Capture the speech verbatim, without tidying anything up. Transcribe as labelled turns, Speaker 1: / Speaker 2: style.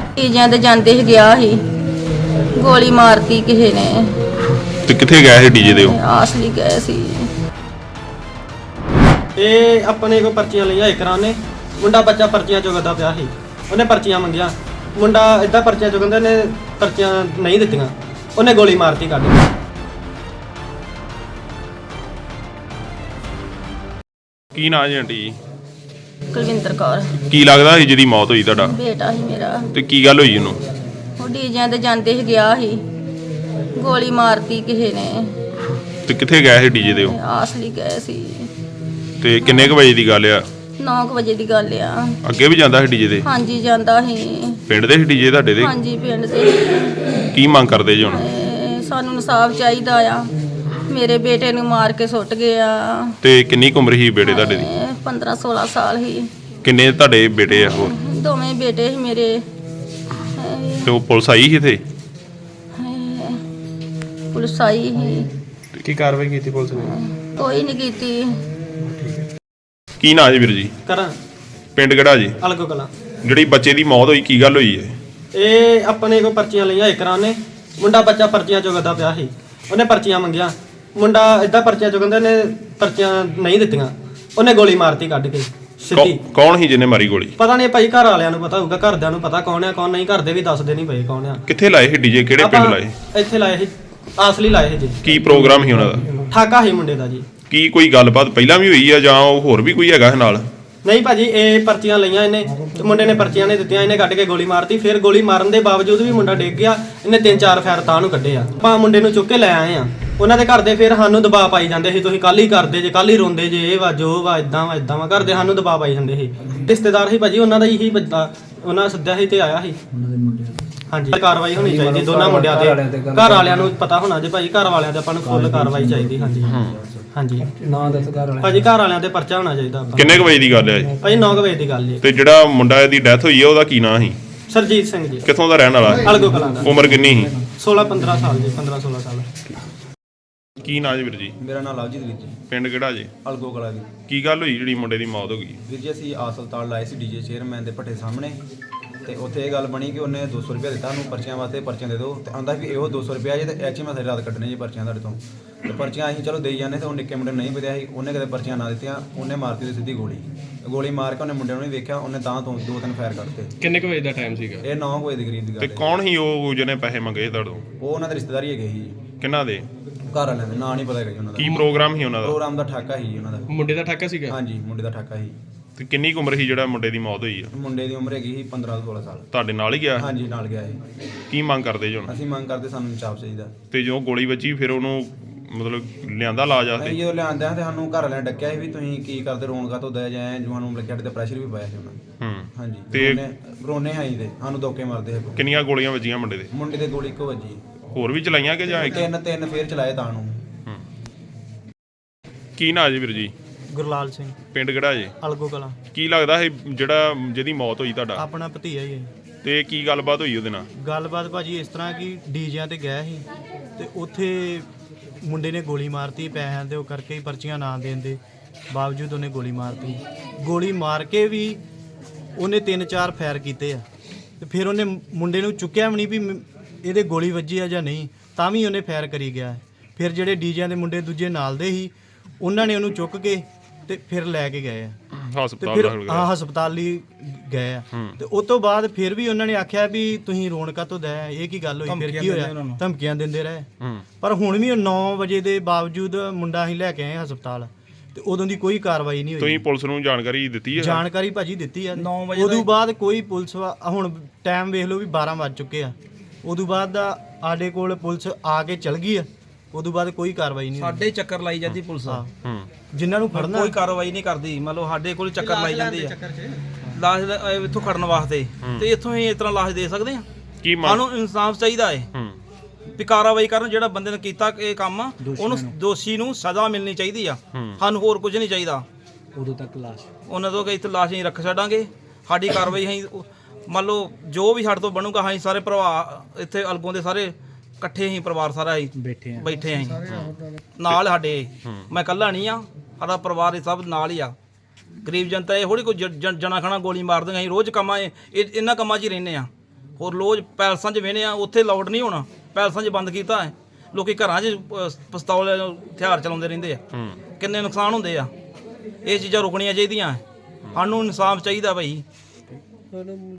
Speaker 1: ਤੀਜਿਆਂ ਤੇ ਜਾਂਦੇ ਹੀ ਗਿਆ ਸੀ, ਗੋਲੀ ਮਾਰਤੀ ਕਿਸੇ ਨੇ।
Speaker 2: ਤੇ ਕਿੱਥੇ ਗਏ ਸੀ ਡੀਜੇ ਦੇ ਉਹ?
Speaker 1: ਆਸਲੀ ਗਏ ਸੀ।
Speaker 3: ਇਹ ਆਪਣੇ ਕੋ ਪਰਚੀਆਂ ਲਈਆਂ ਇਕਰਾਂ ਨੇ, ਮੁੰਡਾ ਬੱਚਾ ਪਰਚੀਆਂ ਚੁਗਦਾ ਪਿਆ ਸੀ, ਉਹਨੇ ਪਰਚੀਆਂ ਮੰਗੀਆਂ, ਮੁੰਡਾ ਇਦਾਂ ਪਰਚੀਆਂ ਚੁਗੰਦੇ ਨੇ, ਪਰਚੀਆਂ ਨਹੀਂ ਦਿੱਤੀਆਂ, ਉਹਨੇ ਗੋਲੀ ਮਾਰਤੀ ਕੱਢ ਕੇ।
Speaker 2: ਕੀ ਨਾਂ ਜੀ ਆਂਟੀ?
Speaker 1: ਕੁਲਵਿੰਦਰ ਕੌਰ।
Speaker 2: ਕੀ ਲੱਗਦਾ ਸੀ ਜਿਹਦੀ ਮੌਤ ਹੋਈ ਤੁਹਾਡਾ?
Speaker 1: ਬੇਟਾ ਸੀ ਮੇਰਾ।
Speaker 2: ਤੇ ਕੀ ਗੱਲ ਹੋਈ ਉਹਨੂੰ?
Speaker 1: ਉਹ ਡੀਜਿਆਂ ਤੇ ਜਾਂਦੇ ਹੀ ਗਿਆ ਸੀ, ਗੋਲੀ ਮਾਰਤੀ ਕਿਸੇ ਨੇ।
Speaker 2: ਤੇ ਕਿੱਥੇ ਗਏ ਸੀ ਡੀਜੇ ਦੇ ਉਹ?
Speaker 1: ਆਸਲੀ ਗਏ ਸੀ।
Speaker 2: ਤੇ ਕਿੰਨੇ ਕੁ ਵਜੇ ਦੀ ਗੱਲ ਆ?
Speaker 1: ਨੌ ਕੁ ਵਜੇ ਦੀ ਗੱਲ ਆ।
Speaker 2: ਅੱਗੇ ਵੀ ਜਾਂਦਾ ਸੀ ਡੀਜੇ ਦੇ?
Speaker 1: ਹਾਂਜੀ ਜਾਂਦਾ ਸੀ।
Speaker 2: ਪਿੰਡ ਦੇ ਸੀ ਡੀਜੇ ਤੁਹਾਡੇ ਦੇ?
Speaker 1: ਹਾਂਜੀ ਪਿੰਡ ਦੇ।
Speaker 2: ਕੀ ਮੰਗ ਕਰਦੇ ਜੀ ਹੁਣ?
Speaker 1: ਤੇ ਸਾਨੂੰ ਇਨਸਾਫ ਚਾਹੀਦਾ ਆ, ਮੇਰੇ ਬੇਟੇ ਨੂੰ ਮਾਰ ਕੇ ਸੁੱਟ ਗਿਆ।
Speaker 2: ਤੇ ਕਿੰਨੀ ਕੁ ਉਮਰ ਸੀ ਬੇਟੇ ਤੁਹਾਡੇ ਦੀ?
Speaker 1: ਪੰਦਰਾਂ ਸੋਲਾਂ ਸਾਲ ਸੀ।
Speaker 2: ਕਿੰਨੇ ਤੁਹਾਡੇ ਬੇਟੇ ਆ ਹੋਰ?
Speaker 1: ਦੋਵੇਂ ਬੇਟੇ ਸੀ ਮੇਰੇ।
Speaker 2: ਤੇ ਉਹ ਪੁਲਿਸ ਆਈ ਸੀ ਇੱਥੇ?
Speaker 1: ਪੁਲਿਸ ਆਈ ਸੀ।
Speaker 4: ਕੀ ਕਾਰਵਾਈ ਕੀਤੀ ਪੁਲਿਸ ਨੇ?
Speaker 1: ਕੋਈ ਨਹੀਂ ਕੀਤੀ।
Speaker 2: ਕੀ ਨਾਂ ਜੀ ਵੀਰ ਜੀ?
Speaker 3: ਕਰਾਂ
Speaker 2: ਪਿੰਡ ਕਿਹੜਾ ਜੀ?
Speaker 3: ਅਲਗੋ ਕਲਾਂ।
Speaker 2: ਜਿਹੜੀ ਬੱਚੇ ਦੀ ਮੌਤ ਹੋਈ ਕੀ ਗੱਲ ਹੋਈ ਹੈ?
Speaker 3: ਇਹ ਆਪਣੇ ਕੋ ਪਰਚੀਆਂ ਲਈਆਂ ਇਕਰਾਂ ਨੇ, ਮੁੰਡਾ ਬੱਚਾ ਪਰਚੀਆਂ ਚੁਗਦਾ ਪਿਆ ਸੀ, ਉਹਨੇ ਪਰਚੀਆਂ ਮੰਗੀਆਂ, ਮੁੰਡਾ ਇਦਾਂ ਪਰਚੀਆਂ ਚੁਗੰਦੇ ਨੇ, ਪਰਚੀਆਂ ਨਹੀਂ ਦਿੱਤੀਆਂ, ਉਹਨੇ ਗੋਲੀ ਮਾਰਤੀ ਕੱਢ ਕੇ ਸਿੱਧੀ।
Speaker 2: ਕੌ- ਕੌਣ ਸੀ ਜਿਹਨੇ ਮਾਰੀ ਗੋਲੀ?
Speaker 3: ਪਤਾ ਨਹੀਂ ਭਾਈ, ਘਰ ਵਾਲਿਆਂ ਨੂੰ ਪਤਾ ਹੋਊਗਾ, ਘਰਦਿਆਂ ਨੂੰ ਪਤਾ ਕੌਣ ਆ ਕੌਣ ਨਹੀਂ, ਘਰ ਦੇ ਵੀ ਦੱਸਦੇ ਨਹੀਂ ਪਏ ਕੌਣ ਆ।
Speaker 2: ਕਿੱਥੇ ਲਾਏ ਸੀ ਡੀਜੇ? ਕਿਹੜੇ ਪਿੰਡ
Speaker 3: ਆਪਾਂ
Speaker 2: ਲਾਏ?
Speaker 3: ਇੱਥੇ ਲਾਏ ਸੀ, ਆਸਲੀ ਲਾਏ ਸੀ ਜੀ।
Speaker 2: ਕੀ ਪ੍ਰੋਗਰਾਮ ਸੀ ਉਹਨਾਂ ਦਾ?
Speaker 3: ਠਾਕਾ ਸੀ ਮੁੰਡੇ ਦਾ ਜੀ।
Speaker 2: ਕੀ ਕੋਈ ਗੱਲਬਾਤ ਪਹਿਲਾਂ ਵੀ ਹੋਈ ਆ ਜਾਂ ਉਹ ਹੋਰ ਵੀ ਕੋਈ ਹੈਗਾ ਨਾਲ?
Speaker 3: ਨਹੀਂ ਭਾਜੀ, ਇਹ ਪਰਚੀਆਂ ਲਈਆਂ ਇਹਨੇ ਤੇ ਮੁੰਡੇ ਨੇ ਪਰਚੀਆਂ ਨਹੀਂ ਦਿੱਤੀਆਂ, ਇਹਨੇ ਕੱਢ ਕੇ ਗੋਲੀ ਮਾਰਤੀ। ਫਿਰ ਗੋਲੀ ਮਾਰਨ ਦੇ ਬਾਵਜੂਦ ਵੀ ਮੁੰਡਾ ਡਿੱਗ ਗਿਆ, ਇਹਨੇ ਤਿੰਨ ਚਾਰ ਫੈਰ ਤਾਂ ਨੂੰ ਕੱਢੇ ਆ। ਆਪਾਂ ਮੁੰਡੇ ਨੂੰ ਚੁੱਕ ਕੇ ਲੈ ਆਏ ਆ। ਉਹਨਾਂ ਦੇ ਘਰ ਦੇ ਫਿਰ ਸਾਨੂੰ ਦਬਾਅ ਪਾਈ ਜਾਂਦੇ ਸੀ, ਤੁਸੀਂ ਕੱਲ ਹੀ ਕਰਦੇ ਜੇ, ਕੱਲ ਹੀ ਰੋਂਦੇ ਜੇ, ਇਹ ਵਾ ਜੋ ਵਾ, ਇਦਾਂ ਵਾ ਇਦਾਂ ਵਾ, ਘਰ ਦੇ ਸਾਨੂੰ ਦਬਾਅ ਪਾਈ ਜਾਂਦੇ ਸੀ। ਰਿਸ਼ਤੇਦਾਰ ਸੀ ਭਾਜੀ ਉਹਨਾਂ ਦਾ ਹੀ ਬੰਦਾ, ਉਹਨਾਂ ਸੱਦਿਆ ਸੀ ਤੇ ਆਇਆ ਸੀ। ਹਾਂਜੀ, ਕਾਰਵਾਈ ਹੋਣੀ ਚਾਹੀਦੀ ਦੋਨਾਂ ਮੁੰਡਿਆਂ ਤੇ। ਘਰ ਵਾਲਿਆਂ ਨੂੰ ਪਤਾ ਹੋਣਾ ਜੇ ਭਾਜੀ, ਘਰ ਵਾਲਿਆਂ ਤੇ ਆਪਾਂ ਨੂੰ ਫੁੱਲ ਕਾਰਵਾਈ ਚਾਹੀਦੀ। ਹਾਂਜੀ ਹਾਂਜੀ
Speaker 4: ਨਾਂ ਦੱਸ ਘਰ ਵਾਲੇ
Speaker 3: ਭਾਜੀ, ਘਰ ਵਾਲਿਆਂ ਤੇ ਪਰਚਾ ਹੋਣਾ ਚਾਹੀਦਾ ਆਪਾਂ।
Speaker 2: ਕਿੰਨੇ ਕੁ ਵਜੇ ਦੀ ਗੱਲ ਹੈ ਜੀ?
Speaker 3: ਭਾਜੀ ਨੌ ਵਜੇ ਦੀ ਗੱਲ ਜੀ।
Speaker 2: ਤੇ ਜਿਹੜਾ ਮੁੰਡਾ ਦੀ ਡੈਥ ਹੋਈ ਹੈ ਉਹਦਾ ਕੀ ਨਾਂ ਸੀ?
Speaker 3: ਸਰਜੀਤ ਸਿੰਘ ਜੀ,
Speaker 2: ਕਿੱਥੋਂ ਦਾ ਰਹਿਣ ਵਾਲਾ?
Speaker 3: ਅਲਗੋ ਕਲਾਂ ਦਾ।
Speaker 2: ਉਮਰ ਕਿੰਨੀ ਸੀ?
Speaker 3: ਸੋਲਾਂ ਪੰਦਰਾਂ ਸਾਲ ਜੀ, ਪੰਦਰਾਂ ਸੋਲਾਂ ਸਾਲ।
Speaker 2: ਕੀ ਨਾਂ ਜੀ ਵੀਰ ਜੀ?
Speaker 5: ਮੇਰਾ ਨਾਮ ਲਵਜੀਤ ਵੀਰ ਜੀ,
Speaker 2: ਪਿੰਡ ਕਿਹੜਾ ਜੀ?
Speaker 5: ਅਲਗੋ ਕਲਾ ਜੀ।
Speaker 2: ਕੀ ਗੱਲ ਹੋਈ ਜਿਹੜੀ ਮੁੰਡੇ ਦੀ ਮੌਤ ਹੋ ਗਈ?
Speaker 5: ਵੀਰ ਜੀ ਅਸੀਂ ਆਸਲਤਾਲ ਲਾਏ ਸੀ ਡੀਜੇ ਚੇਅਰਮੈਨ ਦੇ ਭੱਠੇ ਸਾਹਮਣੇ, ਤੇ ਉੱਥੇ ਇਹ ਗੱਲ ਬਣੀ ਕਿ ਉਹਨੇ ਦੋ ਸੌ ਰੁਪਇਆ ਦਿੱਤਾ ਉਹਨੂੰ ਪਰਚੀਆਂ ਵਾਸਤੇ, ਪਰਚੀਆਂ ਦੇ ਦਿਓ, ਤੇ ਆਂਦਾ ਵੀ ਇਹੋ ਦੋ ਸੌ ਰੁਪਇਆ ਜੇ, ਤੇ ਐਚ ਮੈਂ ਸਾਰੀ ਰਾਤ ਕੱਢਣੇ ਜੀ ਪਰਚੀਆਂ ਤੁਹਾਡੇ ਤੋਂ। ਤੇ ਪਰਚੀਆਂ ਅਸੀਂ ਚਲੋ ਦੇਈ ਜਾਂਦੇ, ਤੇ ਉਹ ਨਿੱਕੇ ਮੁੰਡੇ ਨੂੰ ਨਹੀਂ ਪਤਾ ਸੀ, ਉਹਨੇ ਕਦੇ ਪਰਚੀਆਂ ਨਾ ਦਿੱਤੀਆਂ, ਉਹਨੇ ਮਾਰਤੀ ਉਹਦੀ ਸਿੱਧੀ ਗੋਲੀ। ਗੋਲੀ ਮਾਰ ਕੇ ਉਹਨੇ ਮੁੰਡੇ ਨੂੰ ਨਹੀਂ ਵੇਖਿਆ, ਉਹਨੇ ਤਾਂ ਤੋਂ ਦੋ ਤਿੰਨ ਫਾਇਰ ਕੱਢਤੇ।
Speaker 4: ਕਿੰਨੇ ਕੁ ਵਜੇ ਦਾ ਟਾਈਮ ਸੀਗਾ?
Speaker 5: ਇਹ ਨੌ ਵਜੇ ਦੇ ਕਰੀਬ ਦੀ
Speaker 2: ਤੇ
Speaker 5: ਗੱਲ ਹੈ।
Speaker 2: ਕੌਣ ਸੀ ਉਹ ਜਿਹਨੇ ਪੈਸੇ ਮੰਗੇ ਤੁਹਾਡੇ ਤੋਂ?
Speaker 5: ਉਹ ਉਹਨਾਂ ਦੇ ਰਿਸ਼ਤੇਦਾਰੀ ਹੈਗੇ ਸੀ ਜੀ,
Speaker 2: ਕਿਹਨਾਂ ਦੇ?
Speaker 5: ਘਰ ਵਾਲਿਆਂ ਦੇ, ਨਾਂ ਨਹੀਂ ਪਤਾ ਹੈਗਾ ਜੀ ਉਹਨਾਂ ਦਾ।
Speaker 2: ਕੀ ਪ੍ਰੋਗਰਾਮ ਸੀ ਉਹਨਾਂ ਦਾ?
Speaker 5: ਪ੍ਰੋਗਰਾਮ ਦਾ ਠਾਕਾ ਸੀ ਜੀ ਉਹਨਾਂ ਦਾ।
Speaker 4: ਮੁੰਡੇ ਦਾ ਠਾਕਾ ਸੀਗਾ?
Speaker 5: ਹਾਂਜੀ, ਮੁੰਡੇ ਦਾ ਠਾਕਾ ਸੀ।
Speaker 2: ਤੇ ਕਿੰਨੀ ਕੁ ਉਮਰ ਸੀ ਜਿਹੜਾ ਮੁੰਡੇ ਦੀ ਮੌਤ ਹੋਈ ਆ?
Speaker 5: ਮੁੰਡੇ ਦੀ ਉਮਰ ਹੈਗੀ ਸੀ ਪੰਦਰਾਂ ਸੋਲਾਂ ਸਾਲ।
Speaker 2: ਤੁਹਾਡੇ ਨਾਲ ਹੀ ਗਿਆ?
Speaker 5: ਹਾਂਜੀ, ਨਾਲ ਗਿਆ ਸੀ।
Speaker 2: ਕੀ ਮੰਗ ਕਰਦੇ ਜੀ ਹੁਣ?
Speaker 5: ਅਸੀਂ ਮੰਗ ਕਰਦੇ ਸਾਨੂੰ ਇਨਸਾਫ ਚਾਹੀਦਾ।
Speaker 2: ਤੇ ਜੋ ਗੋਲੀ ਵੱਜੀ ਫਿਰ ਉਹਨੂੰ ਮਤਲਬ ਲਿਆਂਦਾ ਲਾਜ
Speaker 5: ਅਸੀਂ
Speaker 2: ਆਸਤੇ?
Speaker 5: ਜਦੋਂ ਲਿਆਂਦਿਆਂ ਤੇ ਸਾਨੂੰ ਘਰ ਵਾਲਿਆਂ ਨੇ ਡੱਕਿਆ ਸੀ ਵੀ ਤੁਸੀਂ ਕੀ ਕਰਦੇ, ਰੋਣ ਕਾਹਤੋਂ ਦਇਆ ਜਾਏ, ਜੋ ਸਾਨੂੰ ਲੱਗਿਆ ਤੇ ਪ੍ਰੈਸ਼ਰ ਵੀ ਪਾਇਆ ਸੀ ਉਹਨਾਂ ਨੇ।
Speaker 2: ਹੂੰ।
Speaker 5: ਹਾਂਜੀ,
Speaker 2: ਤੇ
Speaker 5: ਰੋਨੇ ਰੋਨੇ ਆਈ ਦੇ ਸਾਨੂੰ ਧੋਕੇ ਮਾਰਦੇ ਸੀ।
Speaker 2: ਕਿੰਨੀਆਂ ਗੋਲੀਆਂ ਵੱਜੀਆਂ ਮੁੰਡੇ ਦੇ?
Speaker 5: ਮੁੰਡੇ ਦੇ ਗੋਲੀ ਇੱਕੋ ਵੱਜੀ,
Speaker 2: ਹੋਰ ਵੀ ਚਲਾਈਆਂ ਕਿ ਜਾਂ ਇੱਕ?
Speaker 5: ਤਿੰਨ ਤਿੰਨ ਫੇਰ ਚਲਾਏ ਤਾਂ ਨੂੰ।
Speaker 2: ਹੂੰ। ਕੀ ਨਾਂ ਜੀ ਵੀਰ ਜੀ?
Speaker 3: ਗੁਰਲਾਲ ਸਿੰਘ,
Speaker 2: ਪਿੰਡ ਕਿਹੜਾ ਜੀ?
Speaker 3: ਅਲਗੋ ਕਲਾਂ।
Speaker 2: ਕੀ ਲੱਗਦਾ ਹੈ ਜਿਹੜਾ ਜਿਹਦੀ ਮੌਤ ਹੋਈ ਤੁਹਾਡਾ?
Speaker 3: ਆਪਣਾ ਭਤੀਆ ਹੀ ਹੈ।
Speaker 2: ਤੇ ਕੀ ਗੱਲਬਾਤ ਹੋਈ ਉਹਦੇ ਨਾਲ?
Speaker 3: ਗੱਲਬਾਤ ਭਾਜੀ ਇਸ ਤਰ੍ਹਾਂ ਕਿ ਡੀਜਿਆਂ ਤੇ ਗਿਆ ਸੀ, ਤੇ ਉੱਥੇ ਮੁੰਡੇ ਨੇ ਗੋਲੀ ਮਾਰਤੀ ਪੈਸਿਆਂ ਦੇ ਉਹ ਕਰਕੇ ਹੀ, ਪਰਚੀਆਂ ਨਾ ਦੇਣ ਦੇ ਬਾਵਜੂਦ ਉਹਨੇ ਗੋਲੀ ਮਾਰਤੀ। ਗੋਲੀ ਮਾਰ ਕੇ ਵੀ ਉਹਨੇ ਤਿੰਨ ਚਾਰ ਫਾਇਰ ਕੀਤੇ ਆ, ਤੇ ਫਿਰ ਉਹਨੇ ਮੁੰਡੇ ਨੂੰ ਚੁੱਕਿਆ ਵੀ ਨਹੀਂ ਵੀ ਮ- ਇਹਦੇ ਗੋਲੀ ਵੱਜੀ ਆ ਜਾਂ ਨਹੀਂ, ਤਾਂ ਵੀ ਉਹਨੇ ਫਾਇਰ ਕਰੀ ਗਿਆ। ਫਿਰ ਜਿਹੜੇ ਡੀਜਿਆਂ ਦੇ ਮੁੰਡੇ ਦੂਜੇ ਨਾਲ ਦੇ ਸੀ, ਉਹਨਾਂ ਨੇ ਉਹਨੂੰ ਚੁੱਕ ਕੇ ਤੇ ਫਿਰ ਲੈ ਕੇ ਗਏ ਆ, ਤੇ
Speaker 2: ਹਸਪਤਾਲ
Speaker 3: ਫਿਰ
Speaker 2: ਦਾਖਲ
Speaker 3: ਹਾਂ
Speaker 2: ਕਰਾਇਆ?
Speaker 3: ਹਸਪਤਾਲ ਲਈ ਗਏ ਆ।
Speaker 2: ਹੂੰ।
Speaker 3: ਤੇ ਉਸ ਤੋਂ ਬਾਅਦ ਫਿਰ ਵੀ ਉਹਨਾਂ ਨੇ ਆਖਿਆ ਵੀ ਤੁਸੀਂ ਰੋਣ ਕਾਹਤੋਂ ਦਇਆ, ਇਹ ਕੀ ਗੱਲ ਹੋਈ, ਫਿਰ ਕੀ ਹੋਇਆ, ਧਮਕੀਆਂ ਦਿੰਦੇ ਰਹੇ।
Speaker 2: ਹੂੰ।
Speaker 3: ਪਰ ਹੁਣ ਵੀ ਨੌ ਵਜੇ ਦੇ ਬਾਵਜੂਦ ਮੁੰਡਾ ਅਸੀਂ ਲੈ ਕੇ ਆਏ ਹਸਪਤਾਲ, ਤੇ ਉਦੋਂ ਦੀ ਕੋਈ ਕਾਰਵਾਈ ਨਹੀਂ ਹੋਈ।
Speaker 2: ਤੁਸੀਂ ਪੁਲਿਸ ਨੂੰ ਜਾਣਕਾਰੀ ਦਿੱਤੀ ਹੈ?
Speaker 3: ਜਾਣਕਾਰੀ ਭਾਜੀ ਦਿੱਤੀ ਆ। ਉਦੋਂ ਬਾਅਦ ਕੋਈ ਪੁਲਿਸ ਵਾ- ਹੁਣ ਟਾਈਮ ਵੇਖ ਲਓ ਵੀ ਬਾਰਾਂ ਵੱਜ ਚੁੱਕੇ ਆ, ਉਦੋਂ ਬਾਅਦ ਦਾ ਸਾਡੇ ਕੋਲ ਪੁਲਿਸ ਆ ਕੇ ਚਲ ਗਈ ਆ, ਉਦੋਂ ਬਾਅਦ ਕੋਈ ਕਾਰਵਾਈ ਨਹੀਂ ਹੋਈ।
Speaker 6: ਸਾਡੇ ਚੱਕਰ ਲਾਈ ਜਾਂਦੀ ਪੁਲਿਸ,
Speaker 3: ਹਾਂ,
Speaker 2: ਹੂੰ।
Speaker 3: ਜਿਨ੍ਹਾਂ ਨੂੰ ਫੜਨਾ
Speaker 6: ਕੋਈ ਕਾਰਵਾਈ ਨਹੀਂ ਕਰਦੀ। ਮੰਨ ਲਓ ਸਾਡੇ ਕੋਲ ਚੱਕਰ ਲਾਈ ਜਾਂਦੀ ਆ ਲਾਸ਼ ਦਾ, ਅਹ ਇੱਥੋਂ ਖੜਨ ਵਾਸਤੇ, ਤੇ ਇੱਥੋਂ ਹੀ ਇਸ ਤਰ੍ਹਾਂ ਲਾਸ਼ ਦੇ ਸਕਦੇ ਆ।
Speaker 2: ਕੀ ਮੰਗ?
Speaker 6: ਸਾਨੂੰ ਇਨਸਾਫ ਚਾਹੀਦਾ ਹੈ
Speaker 2: ਹੂੰ।
Speaker 6: ਵੀ ਕਾਰਵਾਈ ਕਰਨ, ਜਿਹੜਾ ਬੰਦੇ ਨੇ ਕੀਤਾ ਇਹ ਕੰਮ, ਉਹਨੂੰ ਦੋਸ਼ੀ ਨੂੰ ਸਜ਼ਾ ਮਿਲਣੀ ਚਾਹੀਦੀ ਆ।
Speaker 2: ਹੂੰ।
Speaker 6: ਸਾਨੂੰ ਹੋਰ ਕੁਝ ਨਹੀਂ ਚਾਹੀਦਾ।
Speaker 4: ਉਦੋਂ ਤੱਕ ਲਾਸ਼
Speaker 6: ਉਹਨਾਂ ਤੋਂ ਕਿ ਇੱਥੇ ਲਾਸ਼ ਨਹੀਂ ਰੱਖ ਛੱਡਾਂਗੇ। ਸਾਡੀ ਕਾਰਵਾਈ ਅਸੀਂ ਮੰਨ ਲਓ ਜੋ ਵੀ ਸਾਡੇ ਤੋਂ ਬਣੂਗਾ, ਅਸੀਂ ਸਾਰੇ ਭਰਾ ਇੱਥੇ ਅਲਗੋਂ ਦੇ ਸਾਰੇ ਇਕੱਠੇ ਹੀ ਪਰਿਵਾਰ ਸਾਰਾ ਹੀ
Speaker 4: ਬੈਠੇ ਆ
Speaker 6: ਬੈਠੇ ਆਂ ਨਾਲ ਸਾਡੇ। ਮੈਂ ਇਕੱਲਾ ਨਹੀਂ ਆ, ਸਾਡਾ ਪਰਿਵਾਰ ਇਹ ਸਭ ਨਾਲ ਹੀ ਆ। ਗਰੀਬ ਜਨਤਾ ਇਹ ਥੋੜੀ ਕੋਈ ਜ- ਜ- ਜਣਾ ਖਣਾ ਗੋਲੀ ਮਾਰ ਦਿੰਦੇ। ਅਸੀਂ ਰੋਜ਼ ਕੰਮਾਂ ਇਹ ਇਹਨਾਂ ਕੰਮਾਂ 'ਚ ਹੀ ਰਹਿੰਦੇ ਆ। ਹੋਰ ਲੋਜ ਪੈਲਸਾਂ 'ਚ ਵੇਹਨੇ ਆ ਉੱਥੇ ਲਾਊਡ ਨਹੀਂ ਹੋਣਾ, ਪੈਲਸਾਂ 'ਚ ਬੰਦ ਕੀਤਾ ਹੈ। ਲੋਕੀ ਘਰਾਂ 'ਚ ਅਹ, ਪਿਸਤੌਲ ਹਥਿਆਰ ਚਲਾਉਂਦੇ ਰਹਿੰਦੇ ਆ, ਕਿੰਨੇ ਨੁਕਸਾਨ ਹੁੰਦੇ ਆ। ਇਹ ਚੀਜ਼ਾਂ ਰੁਕਣੀਆਂ ਚਾਹੀਦੀਆਂ, ਸਾਨੂੰ ਇਨਸਾਫ ਚਾਹੀਦਾ ਭਾਈ।